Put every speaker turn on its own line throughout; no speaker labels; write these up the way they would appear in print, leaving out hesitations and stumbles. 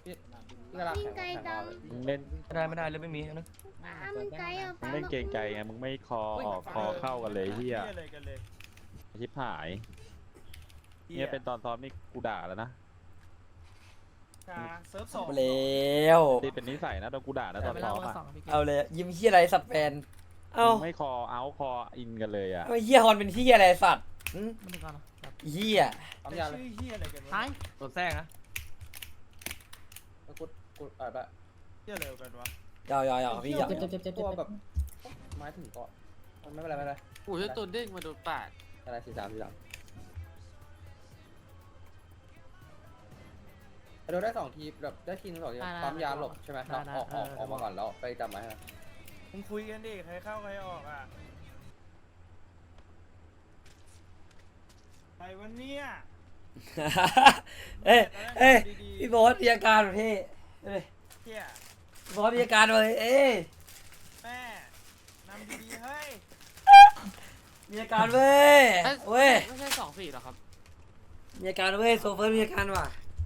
พี่เวลาแข่ง
ไกลจัง
มึงเล่นไม่ได้เลยไม่มีนะ
มันไกลอ่ะ
มึงเล่นเกรงใจไงมึงไม่คอออกคอเข้ากันเลยเฮียชิบหายเนี่ยเป็นตอนซ้อมนี่กูด่าแล้วนะ
เซิร์ฟสอง
แล้ว
ที่เป็นนิสัยนะโดนกูด่านะตอนซ้อมอ่ะ
เอาเลยยิ้มเฮียอะไรสัตว์แฟนเอ้า
ไม่คอเอาคออินกันเลยอ่ะ
ไอ้เฮียฮอนเป็นเฮียอะไรสัตว์เฮีย
ปั๊มยาเลย
ชื่อเฮียอะไรกันวะ
ตัวแทรกนะ
กูแบบ
เฮียอะไรกันวะ
ยาวพี่อยาก
ตัวแบบไม้ถึงเกาะไม่เป็นไรไม่เป็นไร
โอ้ยตัวเด้งมาโดนปาด
อะไร43โดนได้2ทีแบบได้ทีนึง2ทีปั๊มยาหลบใช่ไหมเราออกมาก่อนแล้วไปจำไว้ฮะ
มึงคุยกันดิใครเข้าใครออกอ่ะใครวันเนี้ย
เอ้ยพี่โบ๊ทมีอาการแบบพี่เอ้ย
เฮีย
พี่โบ๊ทมีอาการเลยเอ้ย
แม่นำดีๆเฮ้ย
มีอาการเว้ยเว้ย
ไม่ใช่2-4หรอครับ
มีอาการเว้ยโซเฟอร์มีอาการว่ะ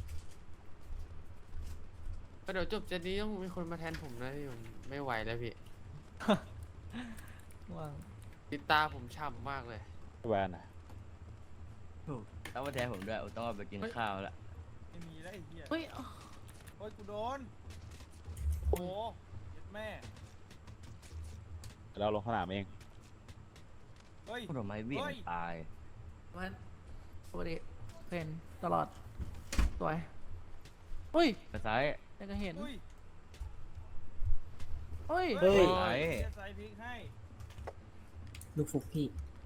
เดี๋ยวจบเจนนี้ต้องมีคนมาแทนผมนะพี่ผมไม่ไหวแล้วพี่ติดตาผมฉ่ำมากเลย
แวนอ่ะ
ต้องมาแทนผมด้วยต้องเอาไปกินข้าวแล้ว
ไม่มีแล้วไอ้เฮีย
เฮ้ย
โอ้ยกูโดนโอ้เย็ดแม่
เราลงสนามเอง
เฮ้ย
ผลไม้วิ่งตาย
มันปกติเห็นตลอดสวยเฮ้ย
ไปซ้าย
แต่ก็เห็น
อุ้ย
เฮ้ย
เฮ้ย
เฮียใส่พริกให้
ลูกฟุกพี่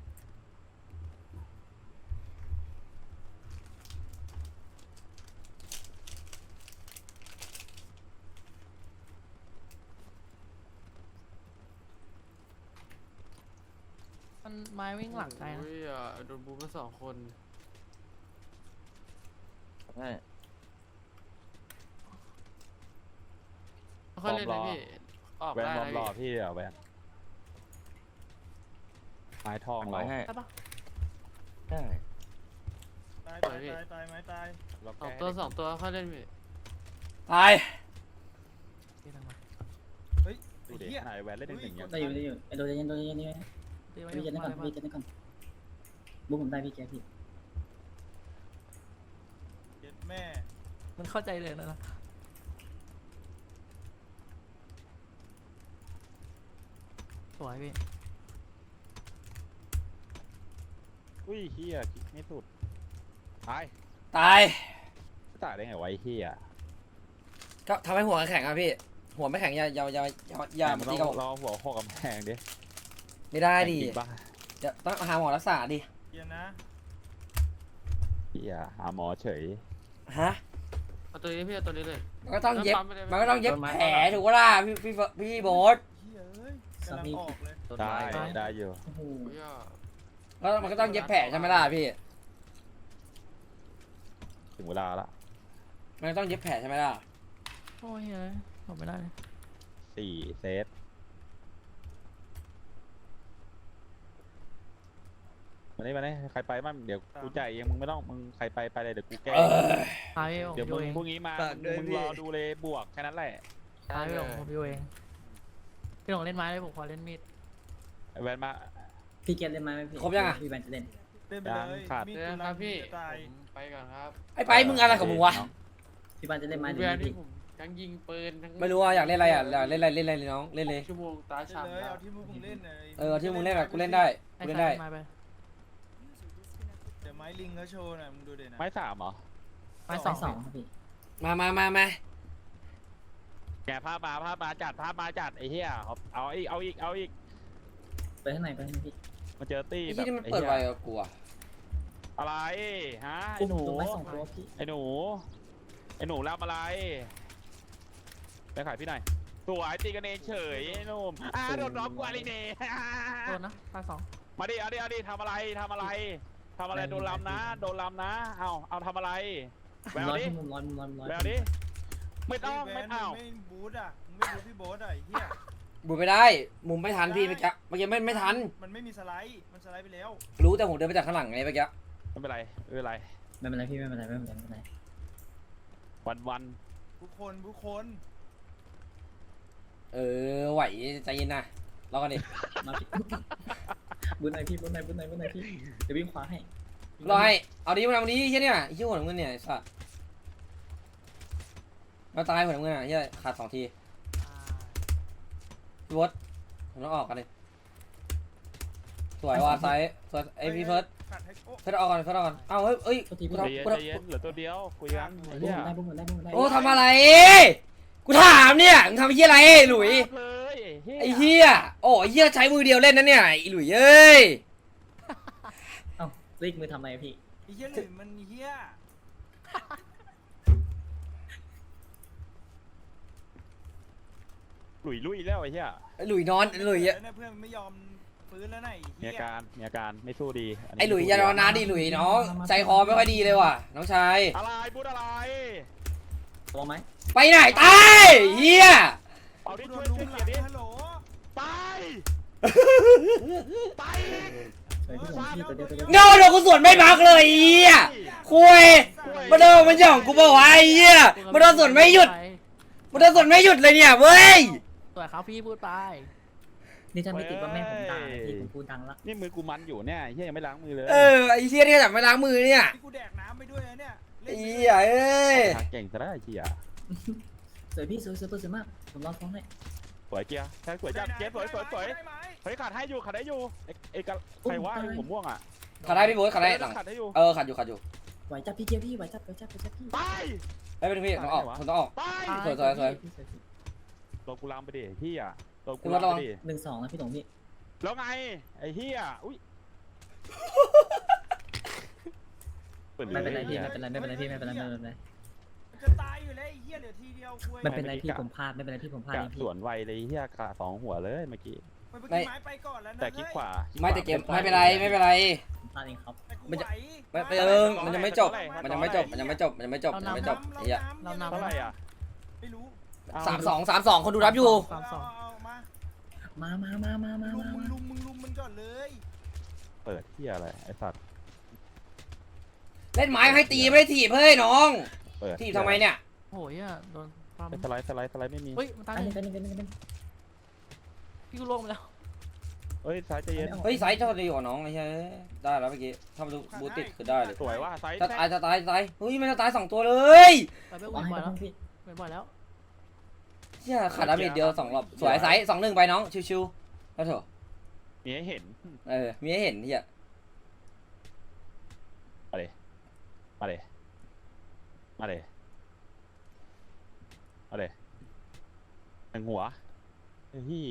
มันไม้วิ่งหลังไกลนะ
โอ้ยโดนบูมมา2 คน
ใช่
ค่อยเล่นนะพี่ออก
แวน
ได้
บอม
นะ
รอ
พี่
พี่อ่ะแวนไม้ทองเรา
ไว้ให้
ได้ปะ
ได้
ตายไม้ตาย
เรา
สอง
แก้
ตัว2 ตัวค่อยเล่นพี่
ตาย
ตีทางมา
เฮ้ย
ดู
ไอ้
ดิ
เฮีย
ไหนแวนเล่นหนึ่งอย่าง
ได้อยู่ไอ้โดนเย็นนี่
ตีไว้
พี่เจนได้ก่อน
มา
พี่เจนได้ก่อนบุ๊กผมได้พี่แกพี่
เย็ดแม่
มันเข้าใจเลยนะสวยพี่
อุ้ยเฮียไม่สุดตาย
ตาย
ตายได้ไงวะไอ้เฮีย
ก็ทำให้หัวแข็งอ่ะพี่หัวไม่แข็งอย่า
มัน
ตี
ต้
กั
อบ งรอหัวข้อกำแพงดิ
ไม่ได้ดิ
จริงปะ
จะต้องหาหมอรักษาดิ
เฮียนะ
เฮียหาหมอเฉย
ฮะ
เอาตัวนี้พี่เอาตัวนี้เลย
มันก็ต้องเย็บ
ปั๊มไปเลย
มันก็ต้องเย็บแผลถูกปะล่ะพี่โบ๊ท
เฮียเอ้ยกำลังออกเลย
ต้น
ได้
ไม้
ได้อยู่
โอ้โห
โอ้ย
แล้วมันก็ต้องเย็บแผลใช่ไหมล่ะพี่
ถึงเวลาละ
มันก็ต้องเย็บแผลใช่ไหมล่ะ
โอ้ยเฮ้ยผมไม่ได้เลย
4 เซตมานี่ใครไปบ้างเดี๋ยวกูจ่ายเองมึงไม่ต้องมึงใครไปเลยเดี๋ยวกูแก้
ตายพี่ผม
เดี๋ยว
ดู
มึง
เอง
พรุ่งนี้มามึงรอดูเลยบวกแค่นั้นแหละ
ตายพี่ผมดูเองพี่หลงเล่นไม้เลยผมขอเล่นมีด
ไอ้แวนมา
พี่เกตเล่นไหมพี่
ครบยังอ่ะ
พี่แบนจะเล่น
เล่นไปเลย
ยังขาด
มี
เดี๋ยวนะครับพี่
จะตาย
ผมไปก่อนครับ
ไอ้ไปมึงอะไรของมึงวะ
พี่แบนจะเล่นไหมหรือ
เวลา
ไม่
ที่
พี่
ผมทั้งยิงปืนทั้ง
ไม่รู้ว่าอยากเล่นอะไรอ่ะอยากเล่นอะไรเลยน้องเล่นเลย
ชั่วโมงตา
เล่น
ฉ่ำ
เลย
ครั
เอา
บ
ที่มึงเล่นเลย
ที่มึงเล่นอะกูเล่นได้
ไอ้
กูเล่น
สา
ได้
ยไม้ไป
เดี๋ยวไม้ลิงเขาโชว์หน่อยมึงดูเดี๋ยวนะ
ไม้3เหรอ
ไม้
ส
ส
อ
อง ง
สองครับพี่
มา
แกภาพมาจัดไอ้เหี้ยเอาอีก
ไปข้างในพี่
มาเจอตี้
ไอ้
แบ
ที่
บ
นี่มัน
ไอ้
เปิด
เหี้ย
ไวกับกูอ่ะ
อะไรฮะไอ้หนู
ตัวไม้สองตัวพี่
ไอ้หนูรับอะไรไปขายพี่หน่อยสวยตีกันเองเฉยไอ้หนุ่มโดนน้องกูอะไรเนี่ย
โดนนะตายสอง
มาดิเอาดิทำอะไรโดนลำนะเอาทำอะไรแวว
ร้อย
ดิ
มุมร้อย
แววดิไม่ต้องไม่เอา
ไม่บูทอ่ะมึงไม่บูทพี่โบ๊ทอ่ะไอ้เฮีย
บุญไม่ได้มุมไม่ทันพี่เมื่อกี้ไม่ทัน
มันไม่มีสไลด์มันสไลด์ไปแล้ว
รู้แต่ผมเดินไปจากข้างหลังไงเมื่อกี้
ไม่เป็นไร
ไม่เป็นไรพี่ไม่เป็นไร
ทุกคน
ไหวใจเย็นนะรอกันดิ
มาพี่ บุญหน่อยพี่บุญหน่อยพี่เดี๋ยววิ่งขวาให้
รอให้เอาดิมาดิเฮียเนี่ยเฮียหัวน้ำเงินเนี่ยไอ้สัสมาตายหัวน้ำเงินอ่ะเฮียขาด2 ทีพี่วอตผมต้องออกกันเลยสวยว่ะไซส์สวยไอพี่เฟิร์ส
กัดให้โอ้
เฟิร์สออกก่อนเฟิร์สออกก่อนเอ้าเฮ้ยเอ้ย
โทษที
กู
พี่
ทำ
ใจเย็นใจเย็นเหลือตัวเดียวคุยกันไอ้
บุญ
เหี้ย
ได้บุญได้บุญได้
โอ้ทำอะไรกูถามเนี่ยมึงทำไอ้เฮียอะไรหลุย
เลยไอ้
ไอ้
เหี้ย
เฮียโอ้ไอ้เฮียใช้มือเดียวเล่นนะเนี่ยไอ้หลุยเอ้ย
เอ้ารีกมือทำไมพี่
ไอ้เหี้ยหรือมันเหี้ย
หลุยลุยแล้วไอ้เหี้ย
ไอ้หลุยนอนไอ้หลุยอะ
เนี่ยเพื่อนไม่ยอมฟื้นแล้วไหนะ
มีอาการมีอาการไม่สู้ดีนนี้
ไอ้หลุยอย่านอนนานดิหลุยน้องใจคอไม่ค่อยดีเลยว่ะน้องชาย
อะไรพูดอะไร
ตัวไหม
ไปไหนตายเฮีย
เอาดิ
โด
ช่วน ย
ลุ
ช่วย
มห
เกี
ลั
ยรง ดิ
ฮัลโหล
ไปไป
เฮ้ยพี่ผมพี่ตัวเดียวตัวเดียว
เงาเดี๋ยวกูสวนไม่พักเลยเฮียคุยมาโดนมันหย่องกูบอกว่าไอ้เฮียมาโดนสวนไม่หยุดมาโดนสวนไม่หยุดเลยเนี่ยเว้ย
สวยครับพี่พูดไป
นี่ถ้าไม่ติดว่าแม่ผมด่าพี่ผมพูดดังละ
นี่มือกูมันอยู่เนี่ยไอ้เหี้ยยังไม่ล้างมือเลย
ไอ้เฮียเนี่ยจับไม่ล้างมือเนี่ย
ที่กูแดกน้ำไปด้วยนะเนี่ย
ไอ้เฮียเอ้ย
ทางเก่งซะได้ไอ้เหี้ย
สวยพี่สวยสวยมากผมรอฟ้องให้
สวยเกียร์แค่สวยจัดเกียร์สวยสวยสวย
ได้ไหม
เฮ้ยขาดให้อยู่ขาดได้อยู่ไอ้กับใครว่าไอ้ผมม่วงอ่ะ
ขาดได้พี่โบ๊ทขาดได้หลัง
ขาดได้อยู่
ขาดอยู่
ไหวจับพี่เกียร์พี่ไหวจับพี่
ไป
ไม่เป็นพี่ต้องออกคุณต้องออก
ไป
สวย
พี่สวย
ตัวกูลามไปดิเหี้ยตัวกู
คุณ
ลาม
ระวั
ไป
ง
ดิ
1-2นะพี่ตงพี่
แล้วไงไอ้เหี้ยอุ้ย
ไม่เป็นไรพี่ไม่เป็นไรพี่ไม่เป็นไร
จะตายอยู่แล้วไอ้เหี้ยเหลือทีเดียวคุย
ไม่เป็นไรพี่ผมพลาดไม่เป็นไรพี่ผมพลาด
กะ
เองพี่
สวนไวเลยเหี้ยขาสองหัวเลยเมื่อกี้
มันไปกินไม้ไปก่อนแล้วนะ
แต่คลิกขวา
ไม่แต่เกมไม่เป็นไรไม่เป็นไร
ผมพลาดเองครับ
แต่กู
มันจะ
ไหว
มันยังไม่จบมันยังไม่จบไอ้เหี้ย
เรานำ
เท่าไหร่อ่ะ
ไม่รู้
3-2คนดูรับอยู่
เอามา
มา
มึงลุมมันก่อนเลย
เปิดเหี้ยอะไรไอ้สัตว์
เล่นไม้ให้ตีไม่ได้ถีบเฮ้ยน้อง
เปิด
ถีบทำไมเนี่ย
โอ้ยโดนความ
สไลด์ไม่มี
เฮ้ยมันตาย
อัน
เล
นี้
ย
เป็น
พี่กูล่วงไปแล้ว
เฮ้ยซ้ายใจเย็น
เฮ้ยไซส์เท่าดีกว่าน้องไอ้เหี้ยได้แล้วเมื่อกี้ถ้ามันบูติดคือได้เลย
สวยว่าซ้าย
จะตายเฮ้ยมันจะตาย2 ตัวเลย
ไปไม่
วาง
ไหว
ให้
แล้ว
พี่
ไม่ไหวแล้ว
เหี้ยขาดดาเมจเดียว2 รอบสวยไซส์2-1ไปน้องชิวๆแล้วเถอะ
มีให้เห็น
มีให้เห็นเหี้ย
มาเลยมาเลยมาเลยมาเลยหนึ่งหัวเฮ้ย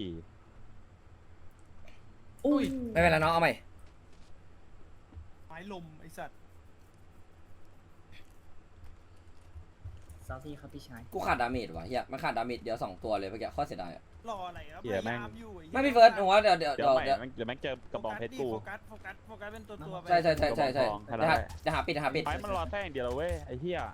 อุ้ย
ไม่เป็นไรน้องเอาใหม่
ไม้ลมไอ้สัตว์
ซาวซี่ครับพี่ชาย
กูขาดดาเมจว่ะเหี้ยมันขาดดาเมจเดียว2 ตัวเลยเมื่อกี้ข้อเสียดายอะ
รออะไรครับพยายามอยู่
ไม่พี่เฟิร์สผมว่าเดี๋ยว
เดี๋ยวแม่งเจอกระบองเพชรกู
โฟกัสเป็นตัวไป
ใช่
กระบองทองขนาดนั้น
จะหาปิด
ไม้มันรอแท่งเดียวเว้ยไอ้เหี้ย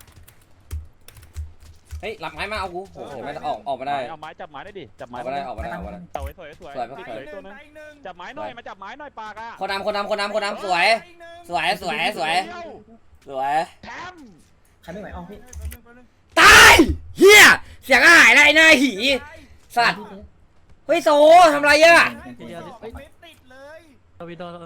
เฮ้ยหลับไม้มาเอากูโอ้โหไม่ออกมาได้
เอาไม้จับไม้ได้ดิจับ
อ
ไม้
อกมาได้ออกมาได้
สวยตัวนึงจับไม้หน่อยมาจับไม้หน่อยปากอ่ะ
คนนำสวย
แถม
ใครไม่ไหวออกพี่
ตายเฮียเสียงหายแล้วไอ้หน้าหีสัตว์เฮ้ยโซทำไรอะ
ไม่ติดเลย
เราไปโดน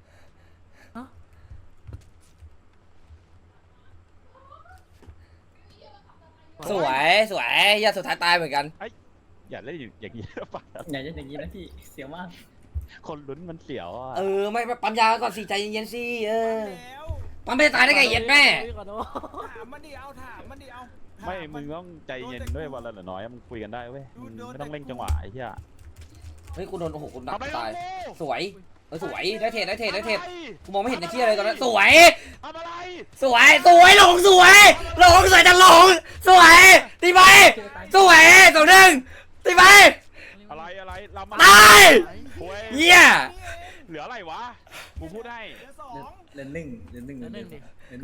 สวยเฮียสุดท้ายตายเหมือนกัน
อย่าเล่นอย่างนี้ปาก
อย่าจะอย่างนี้นะพี่เสียวมาก
คนลุ้นมันเสียวอ่ะ
ไม่ปั๊มยาก่อนสิใจเย็นๆสิ
แล้ว
ปั๊มไม่ตายได้ไงเย็นแม่
ขอโทษ
ถามมันดิเอาถามมันดิเอา
ไม่มึงต้องใจเย็นด้วยวันละหน่อยน้อยมึงคุยกันได้เว้ยไม่ต้องเร่งจังหวะไอ้เหี้ย
เฮ้ยกูโดนโอ้โหกูหนัก
ทำไม
ตาย
กู
สวยสวยได้เทรดกูมองไม่เห็นในที่อะไรตอนนั้นสวย
ทำอะไร
หลงสวยจะหลงสวยตีไปสวย2-1ตีไป
อะไรเรามา
ตาย
โอ้ย
เฮีย
เหลืออะไรวะกูพูดให้
เหลือสอง
เดือนหนึ่ง
เหลือหนึ่งครับ
เดือนหนึ่ง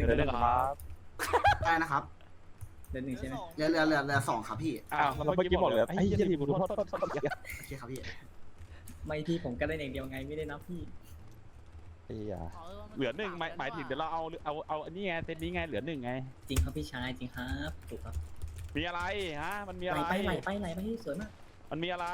ได้นะครับ
ใช่ไหม
เหลือสองครับพี่
อ้าวเมื่อกี้บอกเหลือไอ้เหี้ยทีมกูโทษ
โอเคครับพี่
ไม่พี่ผมก็เล่นอย่างเดียวไงไม่ได้นับพี่
ไอ้เหี้ยเหลือหนึ่งหมายถึงเดี๋ยวเราเอาอันนี้ไงเซตนี้ไงเหลือหนึ่งไง
จริงครับพี่ชายจริงครับถูกครับ
มีอะไรฮะมันมี
ไห
อะ
ล
ไร
ไปไหลไปไหลไปที่สวยมาก
มันมีอะไร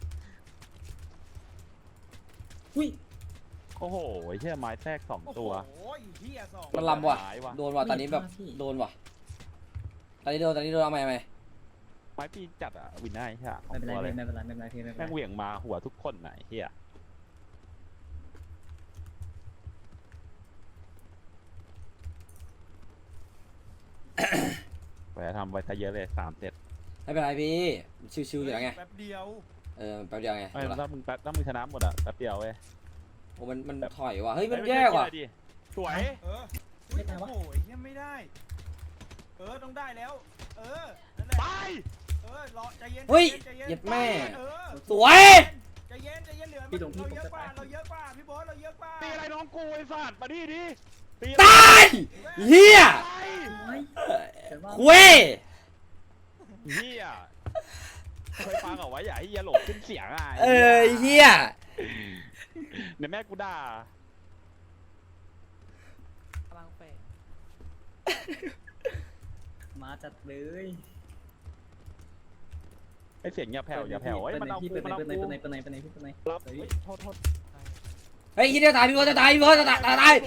อุ้ย
โอ้โหไอ้เหี้ยไม้แทรก2 ตัว
โอ้ยเฮียสอง
มันลำว่ะ
หายว่ะ
โดนว่ะตอนนี้แบบโดนว่ะตอนนี้โดนเอาใหม่
ไม้ปีนจัดอะวินได้ใช่ไหม
ไม่เป็นไร
ตัวเลย
ไม่เป็นไรไม่เป็นไรพี่ไม่เป็น
แม่ง
ไร
เหวี่ยงมาหัวทุกคนไหนเฮียไปทำไว้ซะเยอะเลย3 เซต
ไม่เป็นไรพี่ชิวๆอยู่แล้วไง
แป๊บเดียว
แป๊บเดียวไง
ไม่ถ้ามึงชนะหมดอะแป๊บเดียวเว้ย
โอ้มันถอยว่ะเฮ้ยมันแย่ว่ะ
ดิสวย
เออไม่ได้วะโอ้ยยังไม่ได้ ต้องได้แล้ว นั่นแหละ
ไป
รอใจเย็น
เฮ้ย
ใจเย็น
เย็ดแม่
เออ
สวย
ใจเย็นเหลือ
พี่ตรงพี่
เรา
ผม
เยอะ
จะ
กว่า
ตาย
เราเยอะกว่าพี่โบ๊ทเราเยอะกว่า
ตีอะไรน้องกูไอ้สัตว์มาดิตี
ตายเฮีย
ไป
โอ้ยแต่ว่า
คุย
เฮียเคยฟังเหรอวะอย่าให้เฮียหลงขึ้นเสียงอ่ะ
เฮีย
เดี๋ยวแม่กูด่า
พลังเฟส
มาจัดเลย
ไอเสียงอย่าแผ่วอย่าแผ่วไอ้ยมันเอา
พี่
กู
เป็น
มันเอา
ไหน
กู
เป็นไหนเป็นไหนเป็นไหนเป็นไหน
รับเฮ้ยโทษ
เฮ้ยคิดเดียวตายพี่เบิร์ดจะตายพี่เบิร์ดจะตาย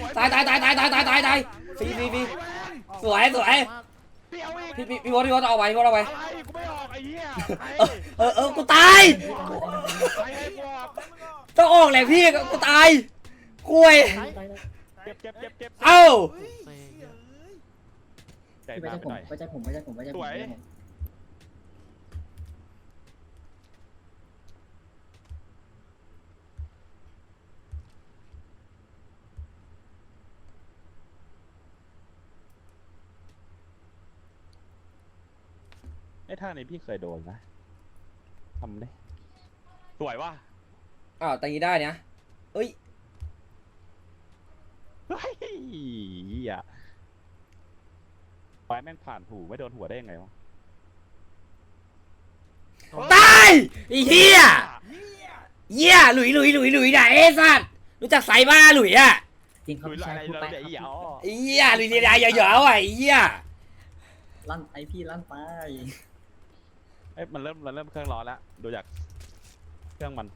ฟรีสวย
เดี๋ยวอีก
พี่เบิร์ดเอาไว้
อะไรกูไม่ออกไอ้เหี้ยใคร
กูตาย
ใครให้กูออก
ต้องออกแหละพี่กูตายคุย
เจ็บ
เอ้า
เซ่เยอะ
ใจ
พี่
มากไปหน่อย
ไว้ใจผมไว้ใจผมไว้ใจผม
สวย ไอ้ท่านี้พี่เคยโดนนะทำดิสวยว่ะ
อ้าวแต่งี้ได้เนี่ยเอ้ย
เฮ้ยอ่ะไฟแม่งผ่านหูไม่โดนหัวได้ยังไงวะ
ตายไอ้เหี้ยหลุยไหนไอ้สัตว์รู้จักไซบ้าหลุยอ่ะ
จริงครับ
หรือ
พี่
อะ
ชาย
ไร
พูด
เรา
ไป
เดี๋ยวอี๋
ครับ
อ๋อ
ไอ้เหี้ยหลุยเรียนเยอะๆว่ะไอ้เหี้ย
ลั่นไอพี่ลั่นไป
เอ้ยมันเริ่มเครื่องร้อนแล้วดูจากเครื่องมัน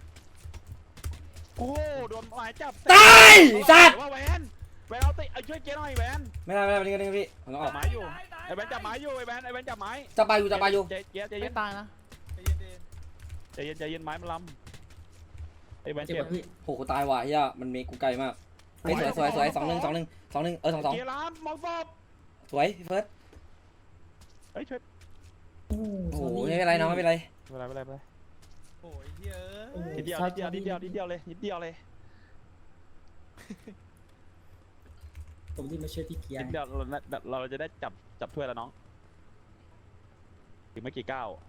โอ้โดนหมายจับ
ตายสัตว์
ว่าแวนเอาติเอาช่วยเจ๊หน่อยแวน
ไม่ได้พี่ผมต้องอ
จั
อบ ก
ไม้อยู่ไอ้แวนจับไม้อยู่ไอ้แวนจับไม้
จะไปอยู่
เจ๊
ไม่
เย็น
ตายนะ
ใจเย็นไม้มันล้ำไอ้แวน
เจ็บ
เจ็บ
ป่ะพี่
โหกูตายว่ะเหี้ยมันเมกูไกลมากเฮ้ยสวย2-1 2-1
เกียร์ล้ำมองฟอบ
สวยพี่เฟิร์ส
เฮ้ยช่วย
โอ้
โอ้โหไม่เป็นไรน้องไม่เป็นไร
ไม่เป็นไร
โอ้ยเฮ้ย
นิดเดียวเลย
ผมที่มาช่วยพี่เกียร์
นิดเดียวเราจะได้จับถ้วยแล้วน้องอีกไม่กี่ก้าว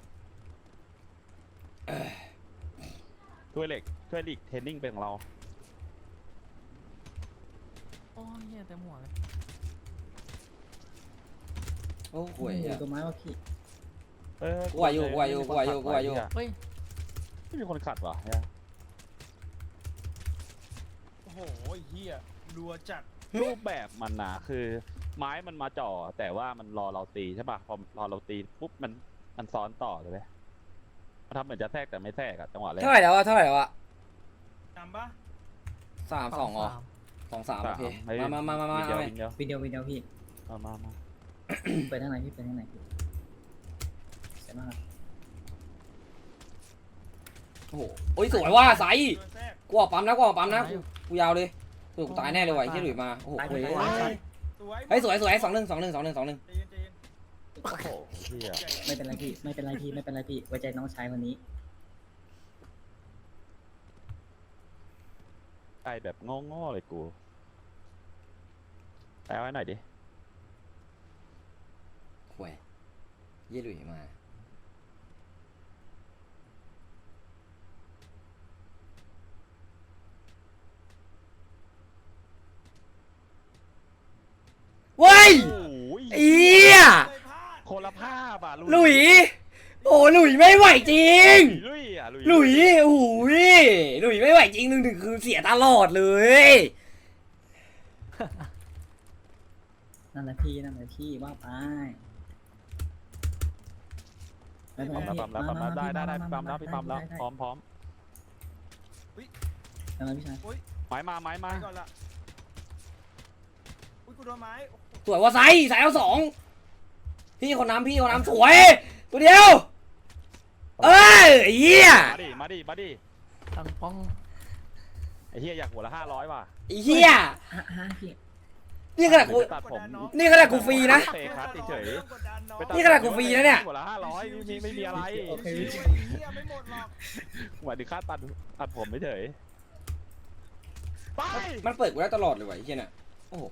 ถ้วยลีกเทรนนิ่งเป็นของเรา
โอ้ยเหี้ยเต็มหัวเลย
โอ้โห
โอ้ยตัวไม้ว่ะพี่
กูอายุ
เฮ้ย
ไม่มีคนขัดว่ะเนี่ย
โอ้โหเฮียรัวจัด
รูปแบบมันนะคือไม้มันมาจ่อแต่ว่ามันรอเราตีใช่ป่ะพอรอเราตีปุ๊บมันซ้อนต่อเลยมันทำเหมือนจะแทรกแต่ไม่แทรกอะจังหวะแรก
เท่าไหร่แล้วอะ
จำปะ
3-2อ๋อ2-3โอเคมา
วินเดียว
วิดีโอพี่
มา
ไปทางไหนพี่ไปทางไหนพี่ใช่ไหมครับ
โอ้โหโอ้ยสวยว่าใส
โดนแทรก
กูออกปั๊มนะกูยาวเลยกูตายแน่เลยว่ะไอ้เหี้ยหลุยมาโอ้โห
ตาย
เฮ้ย
สวย
เฮ้ยสวย2-1
ใจเย็น
โอ้โหเฮีย
ไม่เป็นไรพี่ไม่เป็นไรพี่ไว้ใจน้องชายคนนี้
ไอแบบโง่เลยกูแปลไว้หน่อยดิ
ห่วยเหี้ยหลุยมาเว้ย
โอ้ย
เอี้ย
เลยพลาด
คนละภาพอ่ะ
หลุยโอ้หลุยไม่ไหวจริง
ลุยอ่ะ
หลุยโอ้ยหลุยไม่ไหวจริง1-1คือเสียตลอดเลย
นั่นแหละพี่ว่าไปไม่เป็น
ปั๊ม
ไร
แล้วปั๊มแล้วปั๊มแล้วได้ได้พี่ปั๊มแล้วพี่ปั๊มแล้วพร้อมพร้อม
ได้พี่ชาย
ไม้มาไม้มา
ไปก่อนละอุ้ยกูโดนไม้โอ้โห
สวยว่าไซเอาสองพี่คนน้ำสวยตัวเดียวเอ้ยไอ้เหี้ย
มาดิ
ตังป้อง
ไอ้เหี้ยอยากหัวละ500ว่ะ
ไอ้เหี้ย
พี่
นี่ขนาดกู
ตัดผม
นี่ขนาดกูฟรีนะ
เตะคัดเฉย
กดดันน้อง
ๆ
นี่ขนาดกูฟรีนะเนี่ย
หัวละ500ไม่มีอะไร
โอเค
ไอ้
พี่
เหี้ยไม่หมดหรอก
หมายถึงค่าตัดผมไม่เฉยไป
มันเปิดกูได้ตลอดเลยว่ะไอ้เหี้ยน่ะโอ้โห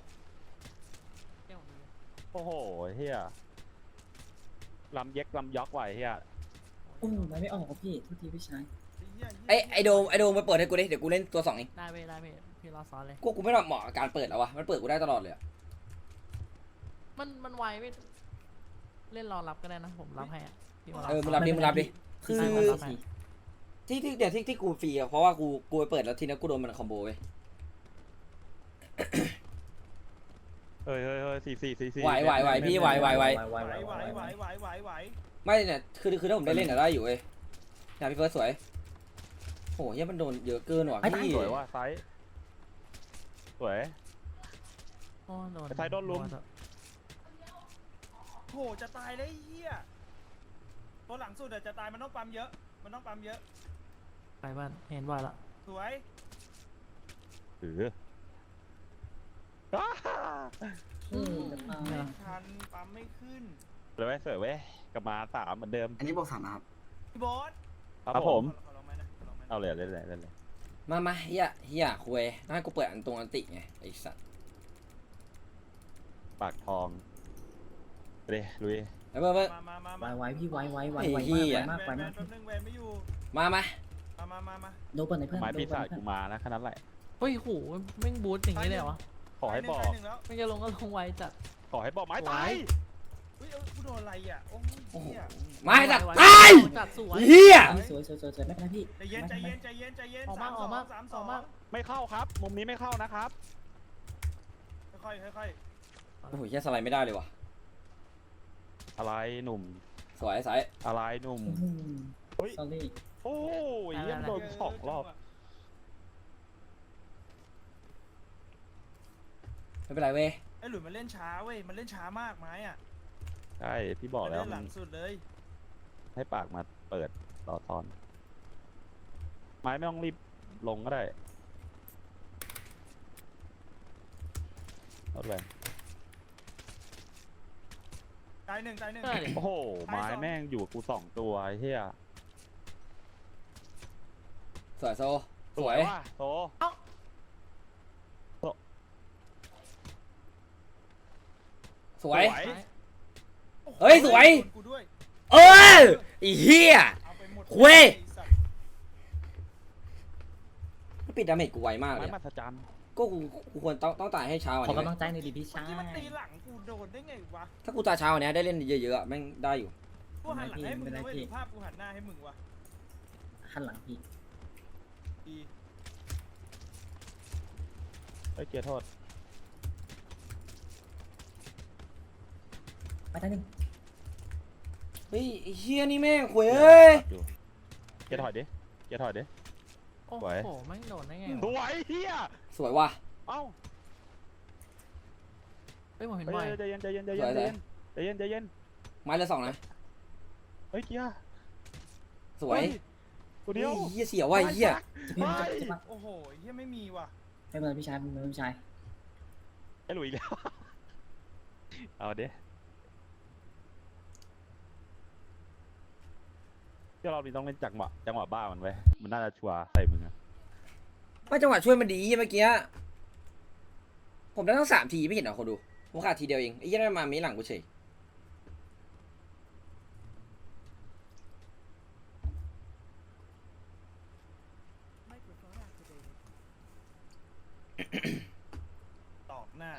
โอ้โหเฮียลำเย็กลำยอกไหวเฮีย
โอ้ไม่ออกพี่ทุกทีพี่ชาย
ไอโดมไปเปิดให้กูดิเดี๋ยวกูเล่นตัวสองเอง
ได้เว้ยพี่รอซ้อนเลย
กูไม่เหมาะกับการเปิดแล้ววะมันเปิดกูได้ตลอดเลยอะ
มันไวไม่เล่นรอรับก็ได้นะผมรับให้อ่ะพี่มารับ
มึงรับดิคือ
ใช่ผมรับให้
ที่เดี๋ยวที่กูฟรีอะเพราะว่ากูไปเปิดแล้วทีนี้กูโดนมันคอมโบเว้ย
เฮ้ยสี่
ไหวพี่ไหว
ไหว
ไม่เนี่ยคือถ้าผมได้เล่นอะได้อยู่เว้ยนะพี่เฟิร์สสวยโอ้โหเหี้ยมันโดนเยอะเกินว่ะพี่
สวยว่ะไซส์สวย
โอ้โดน
ไอ้ไทยโดนลุม
โหจะตายเลยไอ้เหี้ยตัวหลังสุดอะจะตายมันต้องปั๊มเยอะ
ไปบ้านเห็นว่าละ
สวย
ถือ
ไม่ทันปั๊มไม่ขึ้น
เลยเว้ยสวยเว้ยกลับมา3เหมือนเดิม
อันนี้บอก3นะครับ
พี่โบ๊ท
ครับผม
ขอลองไหมนะขอลองไหมนะ
เอาเลยเล่น
มาเฮียคุยน่าให้กูเปิดอันติไงไอ้สัตว์
ปากทองเลยลุย
แล้วเพิ่ม
ไวพี่ไวมาก
แวน
มาก
แป๊บนึงแวนไม่อยู่
มา
มา
โดนเปิดในเพื่อน
ไม้ปีศาจกูมานะแค่นั้นแหละ
เฮ้ยโหแม่งบูทอย่างนี้เลยเหรอวะ
ขอให้บอก
ตายหนึ่งแล้ว
ไม่จะลงก็ลงไวจัด
ขอให้บอกไม้ตาย
อุ้ยกูโดนอะไรอ่ะโอ้ยเหี้ย
มาให้ตัด
ไว
ตาย
จัดสวย
เฮีย
สวยไม่เป็นไรพี่
ใจเย็น
ออกมา
3-2
ไม่เข้าครับ มุมนี้ไม่เข้านะครับ
ค่อย
โอ้โหเฮียสไลด์ไม่ได้เลยว่ะ
อะไรหนุ่ม
สวยสาย
อะไรหนุ่ม
สอรี่
โอ้ยเยี่ยมโดน2 รอบ
ไม่เป็นไรเว้ย
ไอ้หลุยมันเล่นช้าเว้ยมันเล่นช้ามากไม้อ่ะ
ใช่พี่บอกแล้ว
มันเล่นห
มั
ลั
น
งสุดเลย
ให้ปากมาเปิดต่อตอน ไม้ไม่ต้องรีบลงก็ได้รถแรง
ตายหนึ่ง
ใช่ดิ
โอ้โห ไม้แม่งอยู่กับกู2 ตัวไอ้เหี้ย
สวยโซสวย
ว่ะโซ
สวย
ซ้าย
เฮ้ยสวย
โดนกูด้วย
เออไอ้เฮีย
เอาไปหมด
เว้ย
ไอ้สัตว์
ปิดดาเมจกูไวมากเล
ไม้
ย
มหั
อะ
ศจรรย์
ก็กูควรต้องตายให้เช้ากว่า
ขอ
นี้
กำลั
เว้ย
งใจหน่อยดิพี่
เมื่อ
ชาย
กี้มันตีหลังกูโดนได้ไงวะ
ถ้ากูตายเช้ากว่านี้ได้เล่นเยอะๆอะแม่งได้อยู่
กูหันหลังให้มึงนะเว้ยหรือภาพกูหันหน้าให้มึงวะ
หันหลังพี่
ดี
เฮ้ยเกียร์โทษ
ไปได้หนึ่ง
เฮ้ยไอ้เฮียนี่แม่งหวยเอ้ย
อยู่เกียร์ถอยดิเกียร์ถอยดิ
โอ้
สวย
โหแม่งโดนได้ไง
ส
วะ
วยเฮีย
สวยว่ะ
เอ้า
เฮ้ยผมเห็น
เฮ้
ไว
ยใจเย็น
สวย
ใจเย็น
ไม้ละ2นะ
เฮ้ยเกียร์
สวย
ตัวเดียว
เฮียเสียวว่ะไอ้เฮีย
พี่มันจะปัก
โอ้โหเฮียไม่มีว่ะ
ไม่เป็นไรพี่ชายไม่เป็นไรพี่ชาย
ไอ้หลุยอีกแล้ว เอาเด้เดี๋ยวเรานี้ต้องเล่นจังหวะบ้ามันไว้มันน่าจะชัวร์ใส่มึงอะ
ไม่จังหวะช่วยมันดีเมื่อกี้ผมได้ทั้ง3 ทีไม่เห็นเหรอคนดูผมขาดทีเดียวเองไอ้เหี้ยนั่นมามีหลังกูเฉย
ตอกหน้า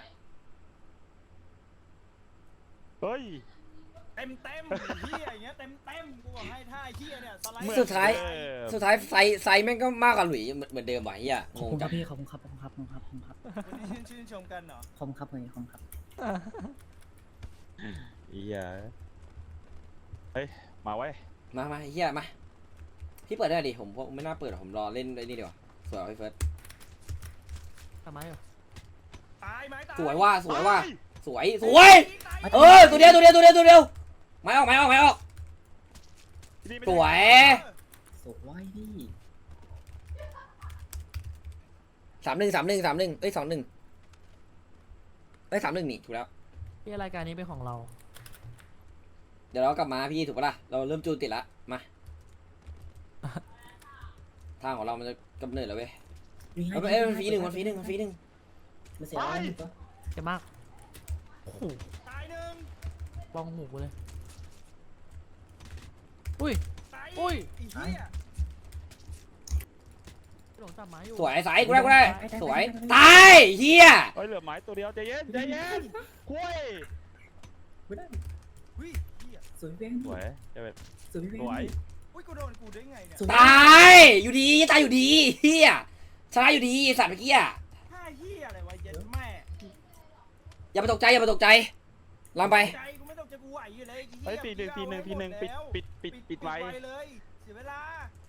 เฮ้ย
เต็มเฮียอย่างเงี้ยเต็มกูบอกให้ท่าเฮียเนี่ยสไลด์
สุดท้าย
เออ
ไซส์แม่งก็มากกว่าหลุยเหมือนเดิมว่ะไอ้เหี้ย
ขอบ
งง
คุณค
จั
รั
ง
บพี่ขอบคุณครับขอบคุณครับขอบคุณครับ
วันนี้ชื่นชมกันเหรอ
ขอบคุณครับเลยขอบคุณครับ
อีอ่ะเฮ้ย มาไว้
มาเฮียมาพี่เปิดได้ดิผมไม่น่าเปิดหรอกผมรอเล่นไอ้นี่ดีกว่าสวยพี่เฟิร์ส
ทำไมอ่ะ
ตายไหมตาย
สวยว่าสวยเออตัวเดียวไม่ออกสวย
สวยพี่
31เอ้ย21เอ้ย31นี่ถูกแล้ว
พี่รายการนี้เป็นของเรา
เดี๋ยวเรากลับมาพี่ถูกปะล่ะเราเริ่มจูนติดละมาทางของเรามันจะกำเนิดแล้วเว้ยมันฟรีหนึ่ง
มันเสียอะไรหนึ่งตัว
เจ็บมากโอ้โห
ตายหนึ่ง
บ้องหูกูเลยอุ้ย
ตาย
อุ้ย
อีเหี้ย
หลงจับไม้อยู่
สวยสายกูได้สวยตายเฮีย
เฮ้ยเหลือไม้ตัวเดียวใจเย็นคุย
ไม่ได้
อุ้ยเหี้ย
สวยพี่
สวยเจะเป็น
สวยพี่
สวย
อุ้ยกูโดนกูได้ไงเนี่ย
ตายอยู่ดีตายอยู่ดีเฮียชนะอยู่ดีสัตว์เมื่อกี้อะ
ห้าเหี้ยอะไรวะเย็นแม่
อย่าไปตกใจลำไป
ใจกูไม่ต้องจะกูไหวอยู่เลย
เฮ้ยทีหนึ่งปิดไว้
เลยเสียเวลา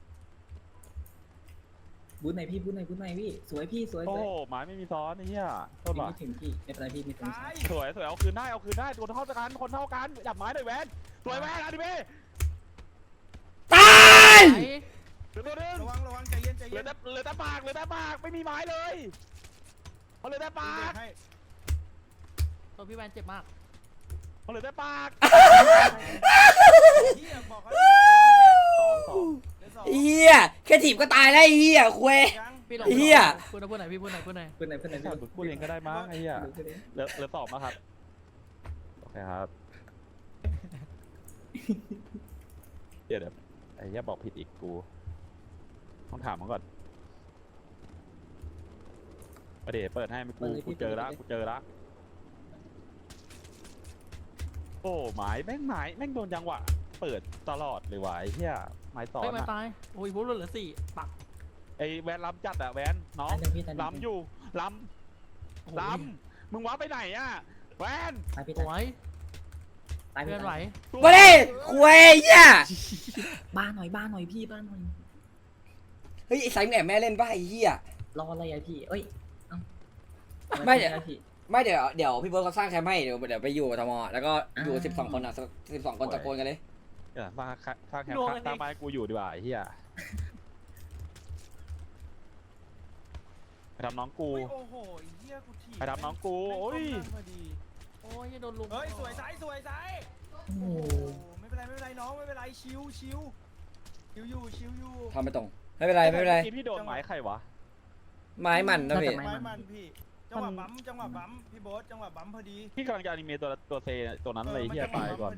บูทไหนพี่บูทไหนพี่สวยพี่สวย
โอ้โหไม้ไม่มีซ้อนไอ้เหี้ยโทษว่ะ
ไม่ถึงพี่ไม่เป็นไรพี่มีตรง
ตาย
สวยเอาคืนได้คนเท่ากันจับไม้หน่อยแวนสวยแวนดิเบ้
ตาย
ไหน
เหลือตัวนึง
ระวังใจเย็นใจ
เหลื
เย็
อน แต่ปากไม่มีไม้เลยเขาเหลือแต่ปาก
ให้
ตัวพี่แวนเจ็บมาก
เขาเหลือแต่ปาก
เหี้ยบอกเขา
สอง
เฮียแค่ถีบก็ตายแล้วเฮียคุย
ยัง
พี่หลง
เหี้ย
พูดไหนพี่พูดไหน
พูดไหน
พูดเองก็ได้มั้งไอ้เหี้ยเหลือสองมาครับโอเคครับเดี๋ยวไอ้เหี้ยบอกผิดอีกกูต้องถามมันก่อนประเดี๋ยวเปิดให้ไม่กูเจอละโอ้ไม้แม่งโดนจังหวะเปิดตลอดเลยว่ะไอ้เหี้ยไม้ต่อ
เฮ้ยมา
นะ
ตายโอ้ยพูดเหลือ4ปัก
ไอ้แวนล้ำจัดอะแวนน้องล้ำอยู่ล้ำมึงว้าไปไหนอะแวน
ตายพี่
สวย
ตาย
เพื่อนไหว
มาดิคุยเฮีย
บ้านหน่อยพี่บ้านหน่อย
เฮ้ยไอ้สายแหนมแม่เล่นป่ะไอ้เฮีย
รออะไรพี่เอ้ย
ไม่เดี๋ยว
พี่
ไม่เดี๋ยวพี่เบิร์ดเขาสร้างแคมป์ให้เดี๋ยวไปอยู่กับทมแล้วก็อยู่12 คนอ่ะ12 คนตะโกนกันเลย
เดี๋ยวสร้างแคมป์สร้างบ้านกูอยู่ดีกว่าไอ้เหี้ยไปทำน้องกู
โอ้โหเหี้ยกูถีบ
ไปทำน้องกูโอ้ย
โอ้ยโดนลุม
เฮ้ยสวยไซส์
โอ้โห
ไม่เป็นไรน้องไม่เป็นไรชิวอยู่
ทำไปตรงไม่เป็นไร
พี่โดนไม้ใครวะ
ไม้มันนะพี่
ไม้มันพี่จังหวะบั๊มพี่โบ๊ทจังหวะบั๊มพอดี
พี่กำลังจะอนิเมะตัวเซตัวนั้นเลยเหี้ยตายก่อน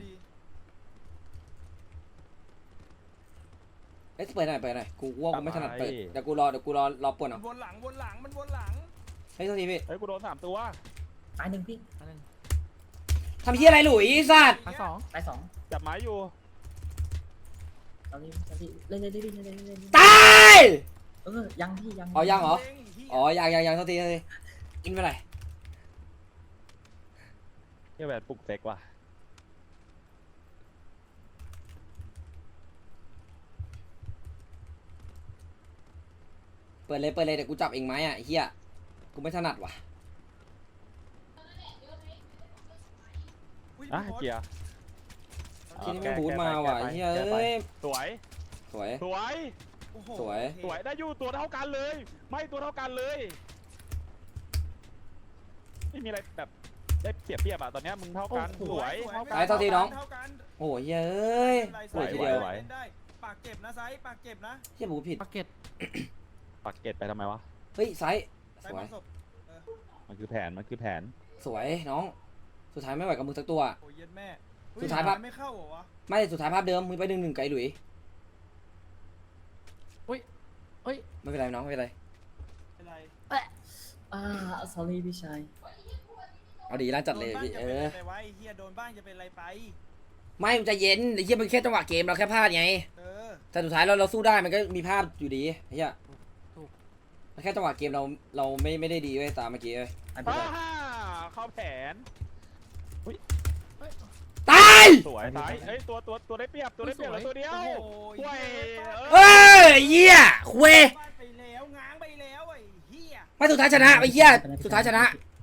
เอ้ยเปิดหน่อยกูว่ากูไม่ถนัดเปิดเดี๋ยวกูรอปวด
มัน
เอา
วนหลังมันวนหลัง
เฮ้ยโทษทีพี่
เฮ้ยกูโดน3 ตัว
ตายหนึ่งพี่
อันนึง
ทำเฮียอะไรหลุยสัตว์
ปัก2
ตายสอง
จับไม้อยู่
เอาดิเล่น
ตาย
ยังพี่ยัง
อ๋อยังเหรออ๋อยังโทษทีกินไปไหน
เหี้ยแวนปลุกเซ็กว่ะ
เปิดเลยเดี๋ยวกูจับเองไหมอ่ะเฮียกูไม่ถนัดว่ะ
เกียร์
ทีนี้ไม่บูทมาว่ะเฮียเอ้ย
สวย
สวย
สวยได้อยู่ตัวเท่ากันเลย ไม่ตัวเท่ากันเลยไม่มีอะไรแบบได้เปรียบอะตอนนี้มึงเท่ากันสวยเท่ากัน
โอ้ยเอ้ยปวดทีเดียว
ปากเก็บนะไซส์ปากเก็บนะ
เฮียบูทผิด
ปักเก็ต
ปักเกตไปทำไมวะ
เฮ้ยไซส์
ไซ
ส
ส์
วย
มันศพ
มันคือแผน
สวยน้องสุดท้ายไม่ไหวกับมึงสักตัว
โอ้ยเย็ดแม่
สุดท้ายปะ
ไม่เข้าเหรอวะ
ไม่สุดท้ายภาพเดิมมึงไป1-1ไกลหลุย
เฮ้ย
ไม่เป็นไรน้องไม่เป็นไร
เป็นไร
sorry พี่ชาย
เอาดีร้านจัดเลยพี่
โดนบ้างจะเป็นอะไรวะไอ้เฮียโดนบ้างจะเป็นอะไรไป
ไม่มันจะเย็นไอ้เฮียมันแค่จังหวะเกมเราแค่พลาดไง
เออ
แต่สุดท้ายเราสู้ได้มันก็มีภาพอยู่ดีไอ้เฮียมันแค่จังหวะเกมเราไม่ได้ดีเว้ยตามเมื่อกี้เว้ย
เข้าแผน
ตาย
สวยซ้ายเอ้ยตัวได้เปรียบตัวได้เปรียบเหลือตัวเดียว
โอ้โห
ห่วย
เอ้ยเหี้ยคุย
ฟาดไปแล้วง้างไปแล้วไอ้เหี้ย
มาสุดท้ายชนะไอ้เหี้ยสุดท้ายชนะ
พ